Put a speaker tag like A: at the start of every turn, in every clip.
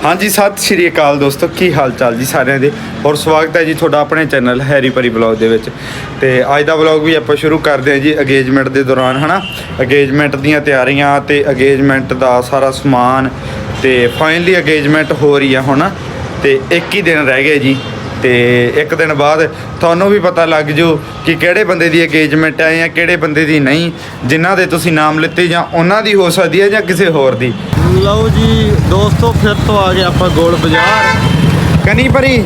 A: हाँ जी सत श्री अकाल दोस्तों की हाल चाल जी सारिਆਂ ਦੇ और स्वागत है जी ਤੁਹਾਡਾ ਆਪਣੇ ਚੈਨਲ ਹੈਰੀ ਪਰੀ ਵਲੌਗ ਦੇ ਵਿੱਚ ਤੇ ਅੱਜ ਦਾ ਵਲੌਗ ਵੀ ਆਪਾਂ ਸ਼ੁਰੂ ਕਰਦੇ ਹਾਂ ਜੀ ਅਗੇਜਮੈਂਟ ਦੇ ਦੌਰਾਨ ਹਨਾ ਅਗੇਜਮੈਂਟ ਦੀਆਂ ਤਿਆਰੀਆਂ ਤੇ ਅਗੇਜਮੈਂਟ ਦਾ ਸਾਰਾ ਸਮਾਨ ਤੇ ਫਾਈਨਲੀ ਅਗੇਜਮੈਂਟ ਹੋ ਰਹੀ ਹੈ ਹੁਣ ਤੇ ਇੱਕ ਹੀ ਦਿਨ ਰਹਿ ਗਿਆ ਜੀ ਤੇ ਇੱਕ ਦਿਨ ਬਾਅਦ ਤੁਹਾਨੂੰ ਵੀ ਪਤਾ ਲੱਗ ਜੂ ਕਿ ਕਿਹੜੇ ਬੰਦੇ ਦੀ ਅਗੇਜਮੈਂਟ ਹੈ ਜਾਂ ਕਿਹੜੇ ਬੰਦੇ ਦੀ ਨਹੀਂ ਜਿਨ੍ਹਾਂ ਦੇ ਤੁਸੀਂ ਨਾਮ ਲਿੱਤੇ ਜਾਂ ਉਹਨਾਂ ਦੀ ਹੋ ਸਕਦੀ ਹੈ ਜਾਂ ਕਿਸੇ ਹੋਰ ਦੀ। ਲਓ ਜੀ ਦੋਸਤੋ ਫਿਰ ਤੋਂ ਆ ਗਏ ਆਪਾਂ ਗੋਲ ਬਾਜ਼ਾਰ ਕਨੀ ਭਰੀ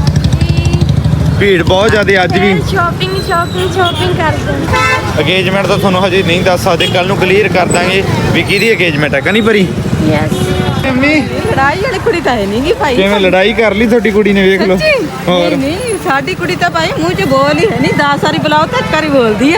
A: ਭੀੜ ਬਹੁਤ ਜ਼ਿਆਦਾ ਅੱਜ ਵੀ
B: ਸ਼ਾਪਿੰਗ ਕਰਦੇ
A: ਅਗੇਜਮੈਂਟ ਤਾਂ ਤੁਹਾਨੂੰ ਹਜੇ ਨਹੀਂ ਦੱਸ ਸਕਦੇ ਕੱਲ ਨੂੰ ਕਲੀਅਰ ਕਰ ਦਾਂਗੇ ਵੀ ਕਿਹਦੀ ਅਗੇਜਮੈਂਟ ਹੈ ਕਨੀ ਭਰੀ।
B: ਯੈਸ
A: ਮੰਮੀ
C: ਲੜਾਈ ਵਾਲੀ ਕੁੜੀ ਤਾਂ ਹੈ ਨਹੀਂ ਗੀ ਭਾਈ
A: ਕਿਵੇਂ ਲੜਾਈ ਕਰ ਲਈ ਤੁਹਾਡੀ ਕੁੜੀ ਨੇ ਵੇਖ ਲਓ
C: ਹੋਰ ਨਹੀਂ ਸਾਡੀ ਕੁੜੀ ਤਾਂ ਭਾਈ ਮੂੰਹ 'ਚ ਬੋਲ ਹੀ ਹੈ ਨਹੀਂ 10 ਵਾਰੀ ਬੁਲਾਓ ਤਾਂ ਕਰੀ ਬੋਲਦੀ ਹੈ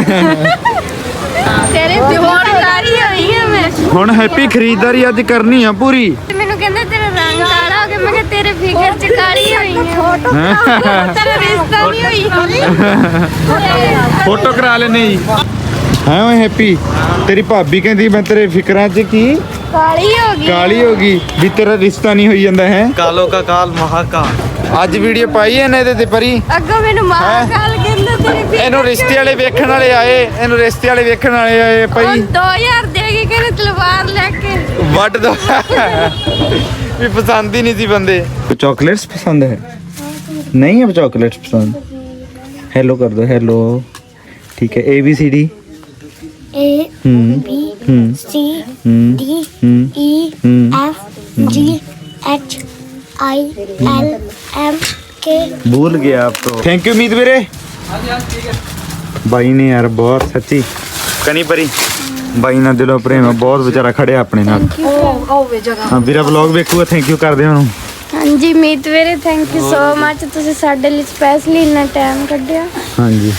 B: ਤੇਰੇ ਹੋਰ ਸਾਰੀ ਹੋਈ ਹੈ ਮੈਂ
A: ਹੁਣ ਹੈਪੀ ਖਰੀਦਦਾਰੀ ਅੱਜ ਕਰਨੀ ਆ ਪੂਰੀ।
B: ਮੈਨੂੰ ਕਹਿੰਦਾ ਤੇਰਾ ਰੰਗ ਕਾਲਾ ਹੋ ਗਿਆ ਮੈਂ ਕਿਹਾ ਤੇਰੇ ਫਿਗਰ 'ਚ ਕਾਲੀ ਹੋਈ ਹੈ ਤੇਰਾ ਰਿਸ਼ਤਾ ਨਹੀਂ ਹੋਈ
A: ਫੋਟੋ ਕਰਾ ਲੈਨੇ ਜੀ ਹਾਂ ਓਏ ਹੈਪੀ ਤੇਰੀ ਭਾਬੀ ਕਹਿੰਦੀ ਮੈਂ ਤੇਰੇ ਫਿਕਰਾਂ 'ਚ ਕੀ ਕਾਲੀ ਹੋ ਗਈ ਵੀ ਤੇਰਾ ਰਿਸ਼ਤਾ ਨਹੀਂ ਹੋਈ ਜਾਂਦਾ ਹੈ
D: ਕਾਲੋ ਕਾ ਕਾਲ ਮਹਾਕਾਲ।
A: ਅੱਜ ਵੀਡੀਓ ਪਾਈ ਹੈ ਇਹਦੇ ਤੇ ਪਰੀ
B: ਅੱਗੋਂ ਮੈਨੂੰ ਮਹਾਕਾਲ ਕਹਿੰਦਾ ਤੇਰੀ
A: ਇਹਨੂੰ ਰਿਸ਼ਤੇ ਵਾਲੇ ਵੇਖਣ ਵਾਲੇ ਆਏ ਭਾਈ
B: 2000 ਦੇ ਕੇ ਕਹਿੰਦੇ ਤਲਵਾਰ ਲੈ ਕੇ
A: ਵੱਢ ਦੋ ਵੀ ਪਸੰਦ ਹੀ ਨਹੀਂ ਸੀ ਬੰਦੇ ਚॉकलेट्स पसंद है नहीं है चॉकलेट्स पसंद हेलो कर दो हेलो ठीक है ABCD
E: A B C D E F G H I L M K।
A: भूल गया आप तो। थैंक यू मीत ਵੀਰੇ ਬਾਈ ਨੇ ਯਾਰ ਬਹੁਤ ਸੱਚੀ ਕਨੀ ਪਰੀ ਬਾਈ ਨਾਲ ਦਿਲੋਂ ਪ੍ਰੇਮ ਬਹੁਤ ਵਿਚਾਰਾ ਖੜਿਆ ਆਪਣੇ ਨਾਲ। ਹਾਂ ਵੀਰਾ ਵਲੌਗ ਵੇਖੂਗਾ ਥੈਂਕ ਯੂ ਕਰਦੇ ਉਹਨੂੰ।
B: ਹਾਂਜੀ ਮੀਤ ਵੀਰੇ ਥੈਂਕ ਯੂ ਸੋ ਮੱਚ ਤੁਸੀਂ ਸਾਡੇ ਲਈ ਸਪੈਸ਼ਲੀ ਇੰਨਾ ਟਾਈਮ ਕੱਢਿਆ।
A: ਹਾਂਜੀ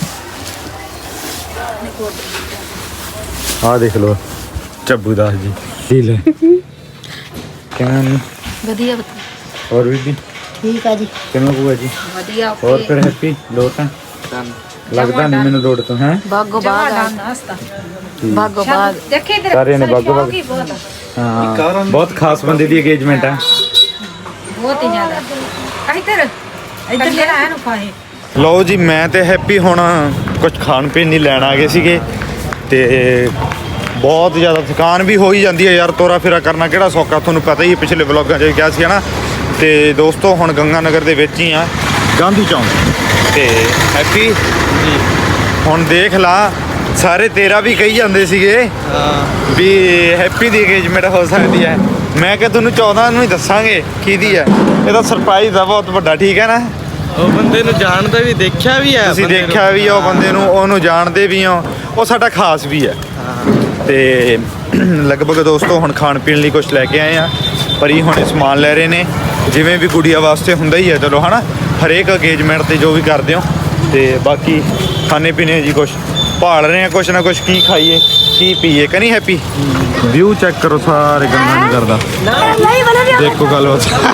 A: ਆ ਦੇਖ ਲਓ ਚੱਬੂ ਦਾਸ ਜੀ ਢੀਲ ਕਿਵੇਂ
C: ਵਧੀਆ
A: ਹੋਰ ਵੀ
E: ठीक है जी
A: ਕਿਵੇਂ ਬੂਆ ਜੀ
C: ਵਧੀਆ
A: ਹੋਰ ਫਿਰ ਹੈਪੀ ਲੋਟ ਹੈ ਲੱਗਦਾ ਨਹੀਂ ਮੈਨੂੰ ਲੋਟ ਤੋਂ ਹੈ
C: ਬਾਗੋ ਬਾਗ ਬਾਗੋ ਬਾਗ ਦੇਖੇ
A: ਸਾਰਿਆਂ ਨੇ ਬਾਗੋ ਬਾਗ ਹਾਂ ਬਹੁਤ ਖਾਸ ਬੰਦੇ ਦੀ ਅਗੇਜਮੈਂਟ ਹੈ
C: ਬਹੁਤ ਹੀ ਜ਼ਿਆਦਾ ਇੱਧਰ ਲੈ ਆਇਆ ਨੂੰ ਫਾਹੇ।
A: ਲਓ ਜੀ ਮੈਂ ਤੇ ਹੈਪੀ ਹੁਣ ਕੁਝ ਖਾਣ ਪੀਣ ਨਹੀਂ ਲੈਣ ਆ ਗਏ ਸੀਗੇ ਤੇ ਬਹੁਤ ਜ਼ਿਆਦਾ ਥਕਾਨ ਵੀ ਹੋ ਹੀ ਜਾਂਦੀ ਹੈ ਯਾਰ ਤੋਰਾ ਫੇਰਾ ਕਰਨਾ ਕਿਹੜਾ ਸੌਖਾ ਤੁਹਾਨੂੰ ਪਤਾ ਹੀ ਪਿਛਲੇ ਵਲੌਗਾਂ 'ਚ ਵੀ ਕਿਹਾ ਸੀ ਹਨਾ। ਤੇ ਦੋਸਤੋ ਹੁਣ ਗੰਗਾ ਨਗਰ ਦੇ ਵਿੱਚ ਹੀ ਆ ਗਾਂਧੀ ਚੌਂਕ ਤੇ ਹੈਪੀ ਹੁਣ ਦੇਖ ਲਾ ਸਾਰੇ ਤੇਰਾ ਵੀ ਕਹੀ ਜਾਂਦੇ ਸੀਗੇ ਵੀ ਹੈਪੀ ਦੀ ਅਗੇਜਮੈਂਟ ਹੋ ਸਕਦੀ ਹੈ। ਮੈਂ ਕਿਹਾ ਤੁਹਾਨੂੰ 14 ਨੂੰ ਹੀ ਦੱਸਾਂਗੇ ਕਿਹਦੀ ਹੈ ਇਹ ਤਾਂ ਸਰਪ੍ਰਾਈਜ਼ ਆ ਬਹੁਤ ਵੱਡਾ ਠੀਕ ਹੈ ਨਾ।
D: ਉਹ ਬੰਦੇ ਨੂੰ ਜਾਣਦਾ ਵੀ ਦੇਖਿਆ ਵੀ ਹੈ
A: ਤੁਸੀਂ ਦੇਖਿਆ ਵੀ ਉਹ ਬੰਦੇ ਨੂੰ ਉਹਨੂੰ ਜਾਣਦੇ ਵੀ ਹੋ ਉਹ ਸਾਡਾ ਖਾਸ ਵੀ ਹੈ। ਤੇ ਲਗਭਗ ਦੋਸਤੋ ਹੁਣ ਖਾਣ ਪੀਣ ਲਈ ਕੁਝ ਲੈ ਕੇ ਆਏ ਆ ਪਰੀ ਹੁਣ ਸਮਾਨ ਲੈ ਰਹੇ ਨੇ ਜਿਵੇਂ ਵੀ ਗੁੜੀਆ ਵਾਸਤੇ ਹੁੰਦਾ ਹੀ ਹੈ ਚਲੋ ਹਨਾ ਹਰੇਕ ਅਗੇਜਮੈਂਟ ਤੇ ਜੋ ਵੀ ਕਰਦੇ ਹੋ ਤੇ ਬਾਕੀ ਖਾਣੇ ਪੀਣੇ ਜੀ ਕੁਝ ਭਾਲ ਰਹੇ ਆ ਕੁਝ ਨਾ ਕੁਝ ਕੀ ਖਾਈਏ ਕੀ ਪੀਏ ਕਨੀ ਹੈਪੀ ਵਿਊ ਚੈੱਕ ਕਰੋ ਸਾਰੇ ਗੰਗਾ ਨਗਰ ਦਾ ਦੇਖੋ ਗੱਲ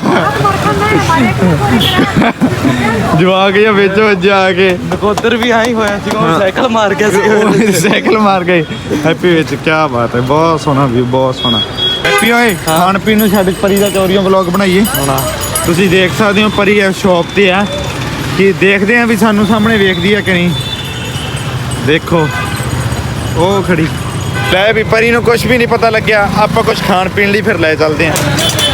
A: ਜਵਾਕ ਜਾਂ ਵਿੱਚ ਵੱਜਿਆ ਆ ਕੇ
D: ਨਕੋਦਰ ਵੀ ਆਈ ਹੋਇਆ ਸੀ ਉਹ ਸਾਈਕਲ ਮਾਰ ਗਿਆ ਸੀ
A: ਸਾਈਕਲ ਮਾਰ ਗਏ ਹੈਪੀ ਵਿੱਚ ਕੀ ਬਾਤ ਹੈ ਬਹੁਤ ਸੋਹਣਾ ਵਿਊ ਬਹੁਤ ਸੋਹਣਾ ਹੈਪੀ ਓਏ ਖਾਣ ਪੀਣ ਨੂੰ ਛੱਡ ਪਰੀ ਦਾ ਚੋਰੀਆਂ ਵਲੌਗ ਬਣਾਈਏ ਤੁਸੀਂ ਦੇਖ ਸਕਦੇ ਹੋ ਪਰੀ ਇਹ ਸ਼ੌਪ ਤੇ ਆ ਕਿ ਦੇਖਦੇ ਆ ਵੀ ਸਾਨੂੰ ਸਾਹਮਣੇ ਵੇਖਦੀ ਆ ਕਿ ਨਹੀਂ ਦੇਖੋ ਉਹ ਖੜੀ ਲੈ ਵੀ ਪਰੀ ਨੂੰ ਕੁਝ ਵੀ ਨਹੀਂ ਪਤਾ ਲੱਗਿਆ ਆਪਾਂ ਕੁਝ ਖਾਣ ਪੀਣ ਲਈ ਫਿਰ ਲੈ ਚੱਲਦੇ ਆ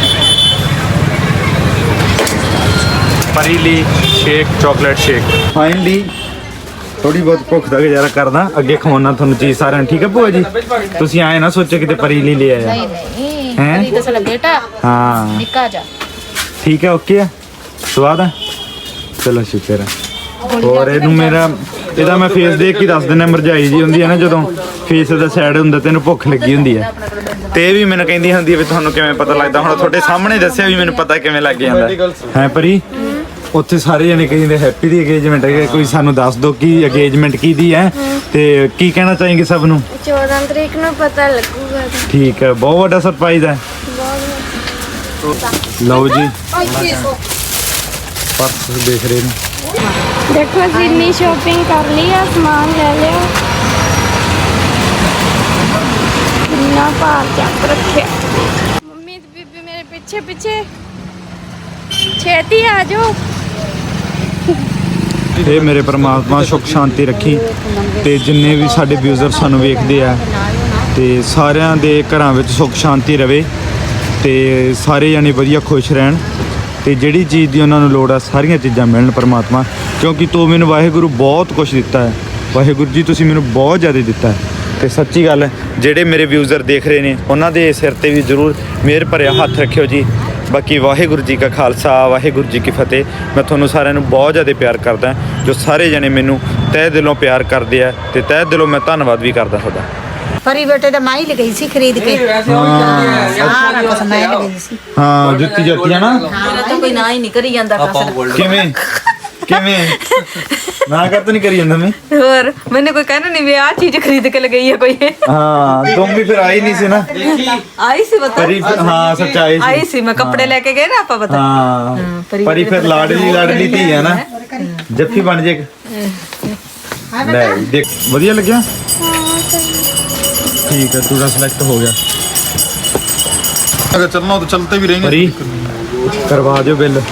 A: ਪਰੀ ਲਈ ਸ਼ੇਕ ਚਾਕਲੇਟ ਸ਼ੇਕ ਫਾਈਨਲੀ ਥੋੜੀ ਬਹੁਤ ਭੁੱਖ ਦਾ ਗੁਜ਼ਾਰਾ ਕਰਦਾ ਅੱਗੇ ਖਵਾਉਣਾ ਤੁਹਾਨੂੰ ਚੀਜ਼ ਸਾਰਿਆਂ ਨੂੰ ਠੀਕ ਹੈ ਭੂਆ ਜੀ ਤੁਸੀਂ ਆਏ ਨਾ ਸੋਚੋ ਕਿਤੇ ਪਰੀ ਲਈ ਲੈ ਆਇਆ
C: ਨਹੀਂ
A: ਹੈ
C: ਪਰੀ ਤਾਂ ਸਾਡਾ ਬੇਟਾ
A: ਹਾਂ
C: ਨਿੱਕਾ ਜਾ
A: ਠੀਕ ਹੈ ਓਕੇ ਆ ਸਵਾਦ ਆ ਚਲੋ ਸ਼ੁਕਰ ਹੈ ਹੋਰ ਇਹਨੂੰ ਇਹਦਾ ਮੈਂ ਫੇਸ ਦੇਖ ਕੇ ਦੱਸ ਦਿੰਦਾ ਮਰਜਾਈ ਜੀ ਹੁੰਦੀ ਹੈ ਨਾ ਜਦੋਂ ਫੇਸ ਦਾ ਸਾਈਡ ਹੁੰਦਾ ਤੈਨੂੰ ਭੁੱਖ ਲੱਗੀ ਹੁੰਦੀ ਹੈ ਤੇ ਇਹ ਵੀ ਮੈਨੂੰ ਕਹਿੰਦੀ ਹੁੰਦੀ ਹੈ ਵੀ ਤੁਹਾਨੂੰ ਕਿਵੇਂ ਪਤਾ ਲੱਗਦਾ ਹੁਣ ਤੁਹਾਡੇ ਸਾਹਮਣੇ ਦੱਸਿਆ ਵੀ ਮੈਨੂੰ ਪਤਾ ਕਿਵੇਂ ਲੱਗ ਜਾਂਦਾ ਹੈ ਪਰੀ ਉੱਥੇ ਸਾਰੇ ਜਣੇ ਕਹਿੰਦੇ ਹੈਪੀ ਦੀ ਅਗੇਜਮੈਂਟ ਹੈ ਕੋਈ ਸਾਨੂੰ ਦੱਸ ਦਿਓ ਕਿ ਅਗੇਜਮੈਂਟ ਕਿਹਦੀ ਹੈ ਤੇ ਕੀ ਕਹਿਣਾ ਚਾਹੀਂਗੇ ਸਭ ਨੂੰ
B: 14 ਤਰੀਕ ਨੂੰ ਪਤਾ ਲੱਗੂਗਾ
A: ਠੀਕ ਹੈ ਬਹੁਤ ਵੱਡਾ ਸਰਪ੍ਰਾਈਜ਼ ਹੈ ਲਓ ਜੀ ਪਰਸ ਦੇਖ ਰਹੇ ਨੇ
B: ਦੇਖੋ ਜਿੰਨੀ ਸ਼ਾਪਿੰਗ ਕਰ ਲਈ ਆ ਸਮਾਨ ਲੈ ਲਿਆ ਕਿੰਨਾ ਭਾਰ ਚੱਕ ਰੱਖਿਆ ਮੰਮੀ ਤੇ ਬੀਬੀ ਮੇਰੇ ਪਿੱਛੇ ਪਿੱਛੇ ਪਿੱਛੇ ਛੇਤੀ ਆ ਜਾਓ।
A: ਇਹ ਮੇਰੇ ਪਰਮਾਤਮਾ ਸੁੱਖ ਸ਼ਾਂਤੀ ਰੱਖੀ ਤੇ ਜਿੰਨੇ ਵੀ ਸਾਡੇ ਵਿਊਜ਼ਰ ਸਾਨੂੰ ਵੇਖਦੇ ਆ ਤੇ ਸਾਰਿਆਂ ਦੇ ਘਰਾਂ ਵਿੱਚ ਸੁੱਖ ਸ਼ਾਂਤੀ ਰਵੇ ਤੇ ਸਾਰੇ ਜਾਣੇ ਵਧੀਆ ਖੁਸ਼ ਰਹਿਣ ਤੇ ਜਿਹੜੀ ਚੀਜ਼ ਦੀ ਉਹਨਾਂ ਨੂੰ ਲੋੜ ਆ ਸਾਰੀਆਂ ਚੀਜ਼ਾਂ ਮਿਲਣ ਪਰਮਾਤਮਾ, ਕਿਉਂਕਿ ਤੂੰ ਮੈਨੂੰ ਵਾਹਿਗੁਰੂ ਬਹੁਤ ਕੁਝ ਦਿੱਤਾ ਹੈ। ਵਾਹਿਗੁਰੂ ਜੀ ਤੁਸੀਂ ਮੈਨੂੰ ਬਹੁਤ ਜ਼ਿਆਦਾ ਦਿੱਤਾ ਹੈ ਤੇ ਸੱਚੀ ਗੱਲ ਹੈ, ਜਿਹੜੇ ਮੇਰੇ ਵਿਊਜ਼ਰ ਦੇਖ ਰਹੇ ਨੇ ਉਹਨਾਂ ਦੇ ਸਿਰ ਤੇ ਵੀ ਜ਼ਰੂਰ ਮਿਹਰ ਭਰਿਆ ਹੱਥ ਰੱਖਿਓ ਜੀ। ਬਾਕੀ ਵਾਹਿਗੁਰੂ ਜੀ ਕਾ ਖਾਲਸਾ ਵਾਹਿਗੁਰੂ ਜੀ ਕੀ ਫਤਿਹ। ਮੈਂ ਤੁਹਾਨੂੰ ਸਾਰਿਆਂ ਨੂੰ ਬਹੁਤ ਜ਼ਿਆਦਾ ਪਿਆਰ ਕਰਦਾ, ਜੋ ਸਾਰੇ ਜਣੇ ਮੈਨੂੰ ਤਹਿ ਦਿਲੋਂ ਪਿਆਰ ਕਰਦੇ ਆ ਤੇ ਤਹਿ ਦਿਲੋਂ ਮੈਂ ਧੰਨਵਾਦ ਵੀ ਕਰਦਾ ਤੁਹਾਡਾ।
C: ਪਰੀ ਬੇਟੇ ਦਾ ਮਾਈ ਲਗਈ ਸੀ ਖਰੀਦ ਕੇ ਸਾਰਾ ਕੁਛ ਮੈਂ ਲਗਈ ਸੀ।
A: ਹਾਂ ਜੁੱਤੀ ਜੁੱਤੀ ਹੈ ਨਾ,
C: ਮੇਰਾ ਤਾਂ ਕੋਈ ਨਾ ਹੀ ਨਹੀਂ ਕਰੀ ਜਾਂਦਾ ਫਸਲ।
A: ਕਿਵੇਂ ਕਿਵੇਂ ਨਾ ਕਰ ਤਾਂ ਨਹੀਂ ਕਰੀ ਜਾਂਦਾ ਮੈਂ।
C: ਹੋਰ ਮੈਨੂੰ ਕੋਈ ਕਹਿਣਾ ਨਹੀਂ ਵੀ ਆਹ ਚੀਜ਼ ਖਰੀਦ ਕੇ ਲਗਈ ਹੈ ਕੋਈ।
A: ਹਾਂ ਤੁਮ ਵੀ ਫਿਰ ਆਈ ਨਹੀਂ ਸੀ ਨਾ।
C: ਆਈ ਸੀ ਬਤਾ
A: ਪਰੀ ਹਾਂ ਸੱਚਾਈ ਸੀ।
C: ਆਈ ਸੀ ਮੈਂ ਕੱਪੜੇ ਲੈ ਕੇ ਗਏ ਨਾ ਆਪਾਂ ਪਤਾ।
A: ਹਾਂ ਪਰੀ ਫਿਰ ਲਾਡਲੀ ਧੀ ਹੈ ਨਾ, ਜੱਫੀ ਬਣ ਜੇ। ਲੈ ਦੇਖ ਵਧੀਆ ਲੱਗਿਆ। ठीक है पूरा सिलेक्ट हो गया।
F: अगर चलना हो तो चलते भी रहेंगे।
A: परी करवा दो बिल।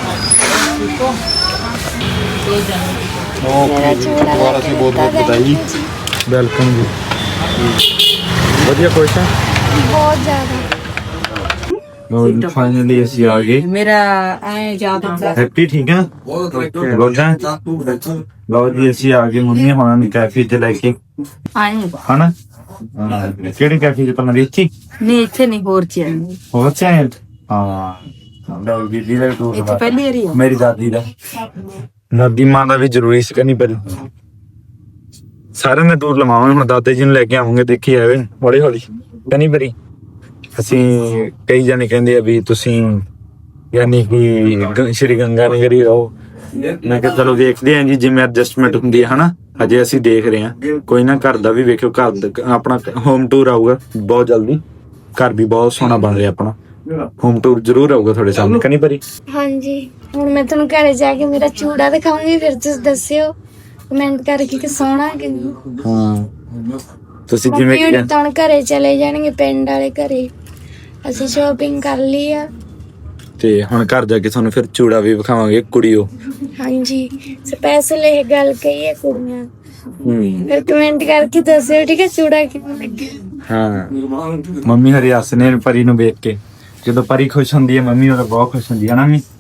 F: दोबारा से बहुत बहुत बधाई।
A: वेलकम जी। ਵਧੀਆ खुश है
B: ਬਹੁਤ ਜ਼ਿਆਦਾ।
A: लो फाइनली ਅਸੀਂ ਆ ਗਏ।
C: ਮੇਰਾ ਐ ਯਾਦ ਹੁੰਦਾ
A: हैप्पी ठीक है गुड है। ਲਓ ਜੀ ਅਸੀਂ ਆ ਗਏ ਮੰਮੀ ਹੁਣਾਂ ਨੂੰ ਕੈਫੇ ਤੇ ਲੈ ਕੇ
C: ਆਏ
A: ਹਨਾ। ਕਿਹੜੀ ਕੈਫੇ ਤੇ ਪਹਿਲਾਂ ਦੇਖੀ
C: ਨਹੀਂ ਇੱਥੇ ਨਹੀਂ ਹੋਰ ਚ ਆਏ
A: ਹੋਰ ਚਾਹੇ ਹਾਂ ਲਓ ਬੀਬੀ ਦਾ ਟੂਰ
C: ਇੱਥੇ ਪਹਿਲੀ ਵਾਰੀ ਆ।
A: ਮੇਰੀ ਦਾਦੀ ਦਾ ਦਾਦੀ ਮਾਂ ਦਾ ਵੀ ਜ਼ਰੂਰੀ ਸੀ ਕਨੀ ਪਰ ਸਾਰਿਆਂ ਦਾ ਟੂਰ ਲਵਾਵਾਂਗੇ। ਹੁਣ ਦਾਦੇ ਜੀ ਨੂੰ ਲੈ ਕੇ ਆਵਾਂਗੇ, ਦੇਖੀ ਆਵੇ ਹੌਲੀ ਹੌਲੀ ਕਨੀ ਬਰੀ। ਅਸੀਂ ਕਈ ਜਾਣੇ ਕਹਿੰਦੇ ਆ ਵੀ ਤੁਸੀਂ ਯਾਨੀ ਕਿ ਸ਼੍ਰੀ ਗੰਗਾ ਨਗਰੀ ਰਹੋ। ਮੈਂ ਕਿਹਾ ਚਲੋ ਦੇਖਦੇ ਆਂ ਜੀ ਜਿਵੇਂ ਐਡਜਸਟਮੈਂਟ ਹੁੰਦੀ ਹੈ ਹਨਾ। ਅਜੇ ਅਸੀਂ ਦੇਖ ਰਹੇ ਹਾਂ, ਕੋਈ ਨਾ ਘਰ ਦਾ ਵੀ ਵੇਖਿਓ। ਘਰ ਦਾ ਆਪਣਾ ਹੋਮ ਟੂਰ ਆਊਗਾ ਬਹੁਤ ਜਲਦੀ। ਘਰ ਵੀ ਬਹੁਤ ਸੋਹਣਾ ਬਣ ਰਿਹਾ ਆਪਣਾ। ਹੋਮ ਟੂਰ ਜ਼ਰੂਰ ਆਊਗਾ ਤੁਹਾਡੇ ਸਾਹਮਣੇ ਕਨੀ ਭਰੀ।
B: ਹਾਂਜੀ ਹੁਣ ਮੈਂ ਤੁਹਾਨੂੰ ਘਰੇ ਜਾ ਕੇ ਮੇਰਾ ਚੂੜਾ ਦਿਖਾਉਂਗੀ, ਫਿਰ ਤੁਸੀਂ ਦੱਸਿਓ ਕਮੈਂਟ ਕਰਕੇ ਕਿ ਸੋਹਣਾ ਕਿ ਨਹੀਂ।
A: ਹਾਂ ਤੁਸੀਂ ਜਿਵੇਂ
B: ਮੰਮੀ ਤਾਂ ਹੁਣ ਘਰੇ ਚਲੇ ਜਾਣਗੇ, ਪਿੰਡ ਵਾਲੇ ਘਰੇ। ਅਸੀਂ ਸ਼ਾਪਿੰਗ ਕਰ ਲਈ ਆ
A: ਤੇ ਹੁਣ ਘਰ ਜਾ ਕੇ ਤੁਹਾਨੂੰ ਫਿਰ ਚੂੜਾ ਵੀ ਵਿਖਾਵਾਂਗੇ ਕੁੜੀਓ।
B: ਹਾਂਜੀ ਸਪੈਸ਼ਲ ਇਹ ਗੱਲ ਕਹੀ ਹੈ ਕੁੜੀਆਂ। ਫਿਰ ਕਮੈਂਟ ਕਰਕੇ ਦੱਸਿਓ ਠੀਕ ਹੈ ਚੂੜਾ ਕਿਵੇਂ ਲੱਗਿਆ।
A: ਹਾਂ ਮੰਮੀ ਹਰੀ ਹੱਸਨੇ ਪਰੀ ਨੂੰ ਵੇਖ ਕੇ। ਜਦੋਂ ਪਰੀ ਖੁਸ਼ ਹੁੰਦੀ ਹੈ ਮੰਮੀ ਉਹਦਾ ਬਹੁਤ ਖੁਸ਼ ਹੁੰਦੀ ਹੈ ਨਾ। ਮੰਮੀ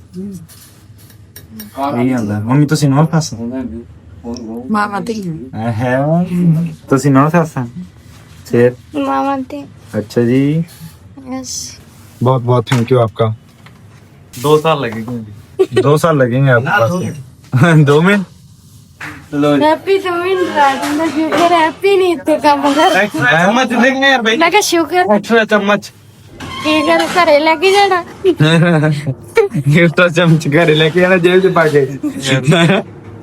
A: ਇਹ ਆਂਦਾ ਮੰਮੀ ਤੁਸੀਂ ਨਾ ਫਸ
C: ਮਾਮਾ ਤੇ
A: ਹੈ ਤੁਸੀਂ ਨਾ ਫਸ ਫਿਰ
B: ਮਾਮਾ ਤੇ।
A: अच्छा जी
B: यस
A: बहुत बहुत थैंक यू आपका।
D: 2 साल लगेंगे।
A: 2 साल लगेंगे आपके पास 2 में।
B: हैप्पी तो मिल रहा है ना, शुक्र हैप्पी नहीं तो काम कर।
D: चम्मच देंगे यार भाई।
B: मैं क्या शुक्र
D: एक्स्ट्रा चम्मच
B: की कर घरे लेके जाना।
A: गिफ्ट चमच घर लेके आना जेब से पाके।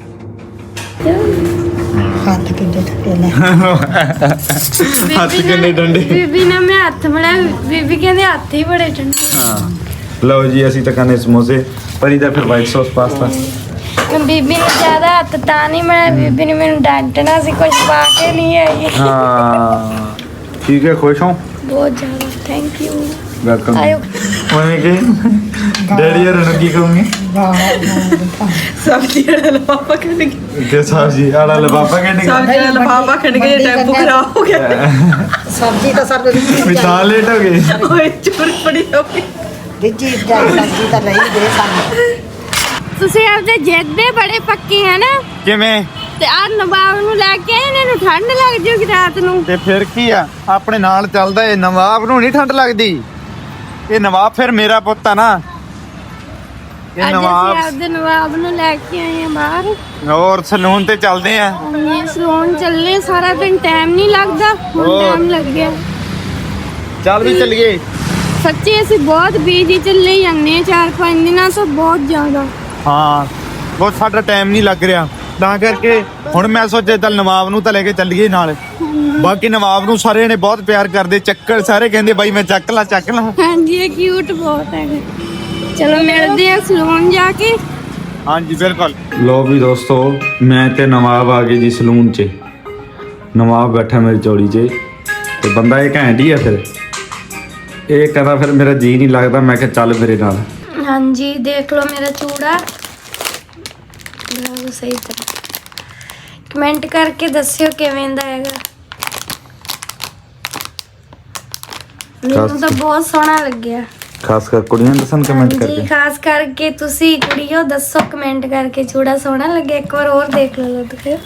C: ਹੱਥ ਕਿੱਡੇ ਠੱਡੇ ਲੈ
A: ਹੱਥ ਕਿੰਨੇ ਡੰਡੇ।
B: ਬੀਬੀ ਨੇ ਮੈਂ ਹੱਥ ਬੜਾਇਆ, ਬੀਬੀ ਕਹਿੰਦੇ ਹੱਥ ਹੀ ਬੜੇ ਠੰਡੇ।
A: ਹਾਂ ਲਓ ਜੀ ਅਸੀਂ ਤਾਂ ਖਾਣੇ ਸਮੋਸੇ, ਪਰੀ ਦਾ ਫਿਰ ਵਾਈਟ ਸੌਸ ਪਾਸਤਾ।
B: ਬੀਬੀ ਨੇ ਜ਼ਿਆਦਾ ਹੱਥ ਤਾਂ ਨਹੀਂ ਬਣਾਇਆ, ਬੀਬੀ ਨੇ ਮੈਨੂੰ ਡਾਂਟਣਾ ਸੀ ਕੁਝ ਪਾ ਕੇ ਨਹੀਂ ਆਈ।
A: ਹਾਂ ਠੀਕ ਹੈ ਖੁਸ਼ ਹੋ
B: ਬਹੁਤ ਜ਼ਿਆਦਾ ਥੈਂਕ ਯੂ।
A: ਵੈਲਕਮ।
B: ਆਇਓ
A: ਮੈਂ ਕਿ ਡੈਡੀ ਹਰ ਨੂੰ ਕੀ ਕਹੂੰਗੀ
C: ਸਬਜ਼ੀ ਵਾਲਾ ਲਫਾਫਾ ਕੱਢ ਕੇ
A: ਕਿ ਸਬਜ਼ੀ ਵਾਲਾ ਲਫਾਫਾ ਕੱਢ
C: ਸਬਜ਼ੀ ਵਾਲਾ ਲਫਾਫਾ ਕੱਢ ਕੇ ਟੈਂਪੂ ਖਰਾਬ ਹੋ ਗਿਆ। ਸਬਜ਼ੀ ਤਾਂ ਸਰ
A: ਮਿਠਾ ਲੇਟ ਹੋ ਗਏ।
C: ਓਏ ਚੋਰ ਪੜੀ ਹੋ ਗਈ। ਦਿੱਜੀ ਸਬਜ਼ੀ ਤਾਂ ਲਈ ਦੇ ਸਾਨੂੰ।
B: ਤੁਸੀਂ ਆਪਦੇ ਜਿੱਦ ਦੇ ਬੜੇ ਪੱਕੇ ਹੈ ਨਾ।
A: ਕਿਵੇਂ
B: ਤੇ ਆ ਨਵਾਬ ਨੂੰ ਲੈ ਕੇ ਇਹਨਾਂ ਨੂੰ ਠੰਡ ਲੱਗ ਜੂਗੀ ਰਾਤ ਨੂੰ।
A: ਤੇ ਫਿਰ ਕੀ ਆ ਆਪਣੇ ਨਾਲ ਚੱਲਦਾ ਏ। ਨਵਾਬ ਨੂੰ ਨਹੀਂ ਠੰਡ ਲੱਗਦੀ। ਇਹ ਨਵਾਬ ਫਿਰ ਮੇਰਾ ਪੁੱਤ ਆ ਨਾ। ਇਹ
B: ਅੱਜ ਅਸੀਂ
A: ਨਵਾਬ
B: ਆਪਦੇ ਨਵਾਬ ਨੂੰ ਲੈ ਕੇ ਆਏ ਆ ਬਾਹਰ।
A: ਹੋਰ ਸਲੂਨ ਤੇ ਚੱਲਦੇ ਆ।
B: ਇਹ ਸਲੂਨ ਚੱਲੇ, ਸਾਰਾ ਦਿਨ ਟਾਈਮ ਨਹੀਂ ਲੱਗਦਾ, ਹੁਣ
A: ਹੋਰ।
B: ਟਾਈਮ ਲੱਗ ਗਿਆ।
A: ਚੱਲ ਵੀ ਚੱਲੀਏ।
B: ਸੱਚੀ ਅਸੀਂ ਬਹੁਤ ਬੀਜੀ ਚੱਲੇ ਜਾਂਦੇ ਆ 4-5 ਦਿਨਾਂ ਤੋਂ ਬਹੁਤ ਜ਼ਿਆਦਾ।
A: ਹਾਂ ਬਹੁਤ ਸਾਡਾ ਟਾਈਮ ਨਹੀਂ ਲੱਗ ਰਿਹਾ, ਤਾਂ ਕਰਕੇ ਹੁਣ ਮੈਂ ਸੋਚਿਆ ਚੱਲ ਨਵਾਬ ਨੂੰ ਤਾਂ ਲੈ ਕੇ ਚੱਲੀਏ ਨਾਲ। ਬਾਕੀ ਨਵਾਬ ਨੂੰ ਸਾਰੇ ਨੇ ਬਹੁਤ ਪਿਆਰ ਕਰਦੇ, ਚੱਕਰ ਸਾਰੇ ਕਹਿੰਦੇ ਬਾਈ ਮੈਂ ਚੱਕ ਲਾ।
B: ਹਾਂਜੀ ਇਹ ਕਿਊਟ ਬਹੁਤ ਹੈਗਾ। ਚਲੋ ਮਿਲਦੇ ਆ ਸਲੂਨ ਜਾ ਕੇ।
A: ਹਾਂਜੀ ਬਿਲਕੁਲ। ਲੋ ਵੀ ਦੋਸਤੋ ਮੈਂ ਤੇ ਨਵਾਬ ਆ ਗਏ ਜੀ ਸਲੂਨ 'ਚ। ਨਵਾਬ ਬੈਠਾ ਮੇਰੀ ਚੌੜੀ 'ਚ ਤੇ ਬੰਦਾ ਇਹ ਘੈਂਟ ਹੀ ਆ ਫਿਰ। ਇਹ ਕਹਿੰਦਾ ਫਿਰ ਮੇਰਾ ਜੀ ਨਹੀਂ ਲੱਗਦਾ, ਮੈਂ ਕਿਹਾ ਚੱਲ ਮੇਰੇ ਨਾਲ।
B: ਹਾਂਜੀ ਦੇਖ ਲਓ ਮੇਰਾ ਚੂੜਾ, ਬਿਲਕੁਲ ਸਹੀ ਤਰ੍ਹਾਂ। ਕਮੈਂਟ ਕਰਕੇ ਦੱਸਿਓ ਕਿਵੇਂ ਦਾ ਹੈਗਾ। ਮੈਨੂੰ ਤਾਂ ਬਹੁਤ ਸੋਹਣਾ ਲੱਗਿਆ।
A: ਖਾਸ ਕਰ ਕੁੜੀਆਂ ਦੱਸਣ ਕਮੈਂਟ
B: ਹਾਂਜੀ
A: ਕਰਕੇ।
B: ਖਾਸ ਕਰਕੇ ਤੁਸੀਂ ਕੁੜੀਓ ਦੱਸੋ ਕਮੈਂਟ ਕਰਕੇ ਚੂੜਾ ਸੋਹਣਾ ਲੱਗਿਆ। ਇੱਕ ਵਾਰ ਹੋਰ ਦੇਖ ਲਓ ਤੁਸੀਂ।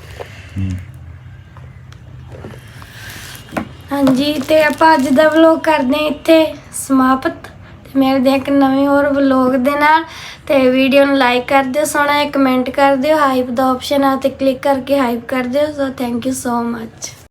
B: ਹਾਂਜੀ ਤੇ ਆਪਾਂ ਅੱਜ ਦਾ ਵਲੋਗ ਕਰਦੇ ਹਾਂ ਇੱਥੇ ਸਮਾਪਤ, ਤੇ ਮਿਲਦੇ ਹਾਂ ਇੱਕ ਨਵੇਂ ਹੋਰ ਵਲੋਗ ਦੇ ਨਾਲ। ਤੇ ਵੀਡੀਓ ਨੂੰ ਲਾਈਕ ਕਰ ਦਿਓ, ਸੋਹਣਾ ਜਿਹਾ ਕਮੈਂਟ ਕਰ ਦਿਓ, ਹਾਈਪ ਦਾ ਆਪਸ਼ਨ ਆ ਤੇ ਕਲਿੱਕ ਕਰਕੇ ਹਾਈਪ ਕਰ ਦਿਓ। So thank you so much.